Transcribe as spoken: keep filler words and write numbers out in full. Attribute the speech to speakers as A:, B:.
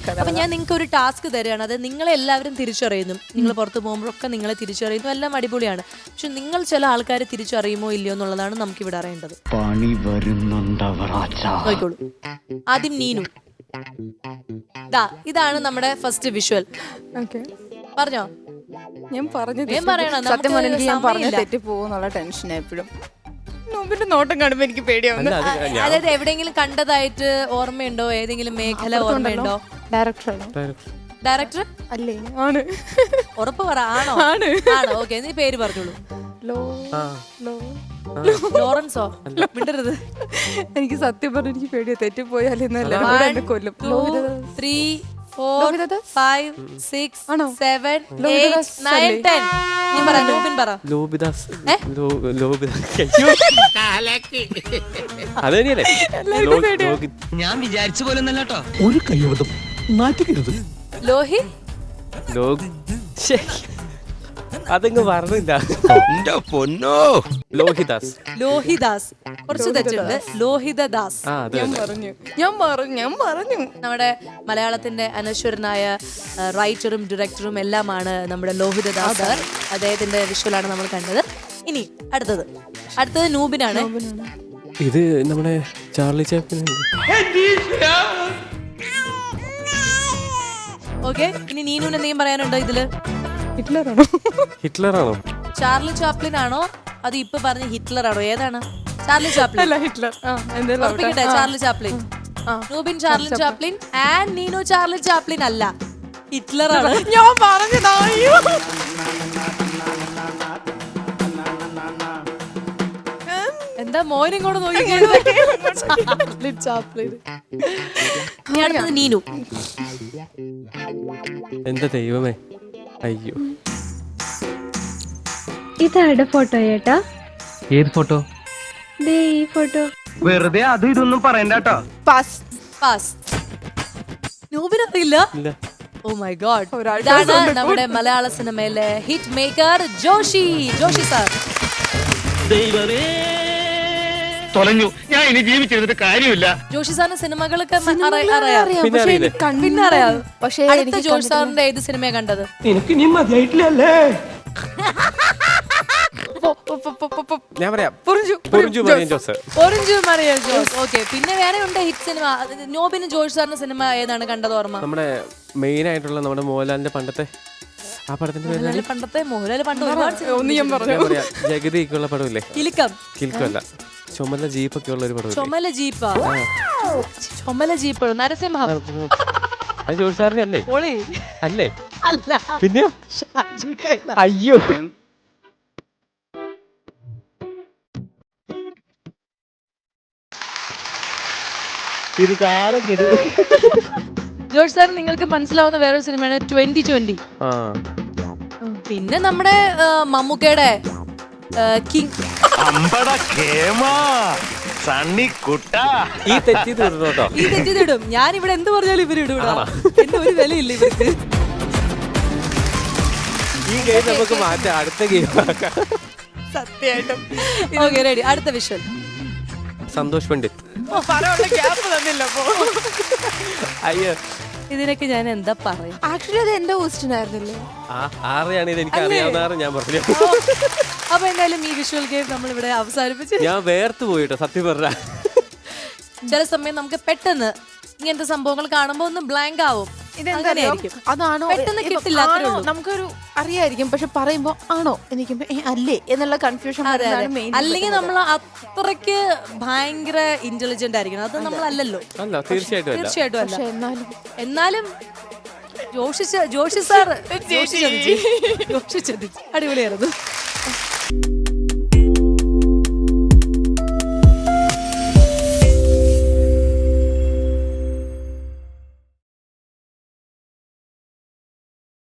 A: അപ്പൊ ഞാൻ നിങ്ങൾക്ക് ഒരു ടാസ്ക് തരികയാണ്. അത് നിങ്ങളെ എല്ലാവരും തിരിച്ചറിയുന്നു. നിങ്ങൾ പുറത്ത് പോകുമ്പോഴൊക്കെ നിങ്ങളെ തിരിച്ചറിയുന്നു, എല്ലാം അടിപൊളിയാണ്. പക്ഷെ നിങ്ങൾ ചില ആൾക്കാരെ തിരിച്ചറിയുമോ ഇല്ലയോ എന്നുള്ളതാണ് നമുക്ക് ഇവിടെ അറിയേണ്ടത്.
B: പണി വരുന്നുണ്ടോളൂ.
A: ആദ്യം നീനു. ദാ ഇതാണ് നമ്മുടെ ഫസ്റ്റ് വിഷ്വൽ. പറഞ്ഞോ.
C: ഞാൻ പറഞ്ഞു
A: സത്യം
C: പറഞ്ഞെങ്കിൽ ഞാൻ പറഞ്ഞ തെറ്റി പോകുന്നുള്ള ടെൻഷൻ എപ്പോഴും. നോബിന്റെ നോട്ടം കാണുമ്പോ എനിക്ക് പേടിയാവുന്നു.
A: അതായത് എവിടെയെങ്കിലും കണ്ടതായിട്ട് ഓർമ്മയുണ്ടോ? ഏതെങ്കിലും മേഖല ഓർമ്മയുണ്ടോ?
C: ഡയറക്ടറാണോ?
A: ഡയറക്ടർ
C: അല്ലേ? ആണ്.
A: ഉറപ്പ് പറ. ആണോ?
C: ആണ്.
A: ആണോ? ഓക്കെ, നീ പേര് പറഞ്ഞോളൂ. ലോറൻസോ? വിടരുത്. എനിക്ക്
C: സത്യം പറഞ്ഞ എനിക്ക് പേടിയാ തെറ്റിപ്പോയാൽ എന്നെ കൊല്ലും.
A: Three four five six seven eight nine ten. നീ പറ. ലോബിൻ പറ.
D: ലോബിദാസ്.
B: ഞാൻ വിചാരിച്ച പോലെ ഒന്നല്ലോ. ഒരു കയ്യോതും നാറ്റിക്കരുത്.
A: ലോഹി.
D: അതങ്ങ് പറഞ്ഞില്ല. ലോഹിദാസ്.
A: ലോഹിദാസ്. കുറച്ച് തെറ്റുണ്ട്. ലോഹിതദാസ്.
C: ഞാൻ പറഞ്ഞു ഞാൻ പറഞ്ഞു ഞാൻ പറഞ്ഞു
A: നമ്മുടെ മലയാളത്തിന്റെ അനശ്വരനായ റൈറ്ററും ഡയറക്ടറും എല്ലാമാണ് നമ്മുടെ ലോഹിതദാസ് സർ. അദ്ദേഹത്തിന്റെ വിഷ്വലാണ് നമ്മൾ കണ്ടത്. ഇനി അടുത്തത് അടുത്തത് നൂബിനാണ്.
D: ഇത് നമ്മുടെ ചാർലി ചാപ്ലിൻ.
A: ഓക്കെ, ഇനി നീനുവിന് എന്തെങ്കിലും പറയാനുണ്ടോ ഇതില്?
C: ഹിറ്റ്ലറാണോ?
D: ഹിറ്റ്ലറാണോ?
A: ചാർലി ചാപ്ലിൻ ആണോ? അത് ഇപ്പൊ പറഞ്ഞ ഹിറ്റ്ലർ ആണോ? ഏതാണ്? Charlie Chaplin.
C: അല്ല, Hitler.
A: Charlie Chaplin. Noobin Charlie Chaplin and Neenu Charlie Chaplin അല്ല, ഹിറ്റ്ലർ ആണ്.
C: ഞാൻ പറഞ്ഞതാ.
A: എന്താ മോനും കൂടെ നോക്കി. Charlie Chaplin. നീനു.
D: എന്താ ദൈവമേ, അയ്യോ.
E: ഇതാരുടെ ഫോട്ടോ ചേട്ടാ?
B: ഏത് ഫോട്ടോ?
E: ദേ ഈ ഫോട്ടോ.
B: വെറുതെ അത് ഇതൊന്നും പറയണ്ട കേട്ടോ.
C: പാസ്.
A: പാസ്. നൂബിനറിയില്ല? Oh my god. ഇതാണ് നമ്മുടെ മലയാള സിനിമയിലെ hit maker Joshi. Joshi sir.
B: ദൈവമേ തൊലഞ്ഞു. ഞാൻ ഇനി ജീവിച്ചിരുന്നിട്ട് കാര്യമില്ല.
A: ജോഷി സാറിന്റെ സിനിമകളൊക്കെ അറിയാം.
D: പിന്നെ
A: അറിയാം. പക്ഷേ അടുത്ത ജോഷി സാറിന്റെ ഏത് സിനിമയാ കണ്ടത്?
B: എനിക്ക് ഇനി മതിയായിട്ടില്ലല്ലേ?
D: ഞാൻ പറയാം.
A: ഓക്കെ, പിന്നെ വേറെ ഉണ്ട് ഹിറ്റ് സിനിമ. നോബിന് ജോഷി സാറിന്റെ സിനിമ ഏതാണ് കണ്ടത് ഓർമ്മ?
D: നമ്മുടെ മെയിൻ ആയിട്ടുള്ള നമ്മുടെ മോഹൻലാലിന്റെ പണ്ടത്തെ ആ പടത്തിന്റെ പേര്.
A: പണ്ടത്തെ മോഹൻലാൽ പണ്ട്
D: ജഗതിക്കുള്ള പടമില്ലേ?
A: കിലുക്കം.
D: കിലുക്കമല്ല, ചുമല ജീപ്പൊക്കെ ഉള്ള ഒരു പടം.
A: ചുമല ജീപ്പാ? ചുമല ജീപ്പ് നരസിംഹ.
D: അത് ജോഷി സാറിന്റെ അല്ലേ? അല്ലേ?
A: അല്ല.
D: പിന്നെ അയ്യോ. ഇത് കാലം
A: ജോഷി സാർ നിങ്ങൾക്ക് മനസ്സിലാവുന്ന വേറൊരു സിനിമയാണ് ട്വന്റി ട്വന്റി. പിന്നെ നമ്മുടെ മമ്മൂക്കയുടെ കിങ്.
D: ഈ തെറ്റി തീർന്നോട്ടോ.
A: ഈ തെറ്റി തീടും. ഞാൻ ഇവിടെ എന്ത് പറഞ്ഞാലും ഇവര് ഇടൂടാ. എന്റെ ഒരു വിലയില്ല ഇവർക്ക്.
D: ഈ ഗെയിം നമുക്ക് മാറ്റാം, അടുത്ത ഗെയിം.
C: സത്യമായിട്ടും.
A: Okay, ready. അടുത്ത വിഷ്വൽ.
D: സന്തോഷ് പണ്ഡിറ്റ്. അയ്യോ,
A: ഇതിനൊക്കെ ഞാൻ എന്താ പറയാ?
C: ആക്ച്വലി അത് എന്റെ ക്വസ്റ്റ്യൻ ആയിരുന്നില്ലേ?
D: ആരെയാണ് ഇത്? എനിക്ക് അറിയാവുന്ന ഞാൻ പറഞ്ഞു.
A: അപ്പൊ എന്തായാലും ഈ വിഷ്വൽ ഗെയിം നമ്മൾ ഇവിടെ അവസാനിപ്പിച്ചു.
D: ഞാൻ വേർത്ത് പോയിട്ടോ സത്യം പറഞ്ഞ.
A: ചില സമയം നമുക്ക് പെട്ടെന്ന് ഇങ്ങനത്തെ സംഭവങ്ങൾ കാണുമ്പോ ഒന്ന് ബ്ലാങ്ക് ആവും.
C: അതാണോ
A: പെട്ടെന്ന് കിട്ടില്ല.
C: നമുക്കൊരു അറിയായിരിക്കും, പക്ഷെ പറയുമ്പോ ആണോ എനിക്ക് അല്ലേ എന്നുള്ള കൺഫ്യൂഷൻ.
A: അല്ലെങ്കിൽ നമ്മൾ അത്രയ്ക്ക് ഭയങ്കര ഇന്റലിജന്റ് ആയിരിക്കണം. അത് നമ്മളല്ലല്ലോ.
D: തീർച്ചയായിട്ടും
A: തീർച്ചയായിട്ടും അല്ല. എന്നാലും ജോഷി ജോഷി സാർ ജോഷി ചതിച്ചു. അടിപൊളിയായിരുന്നു.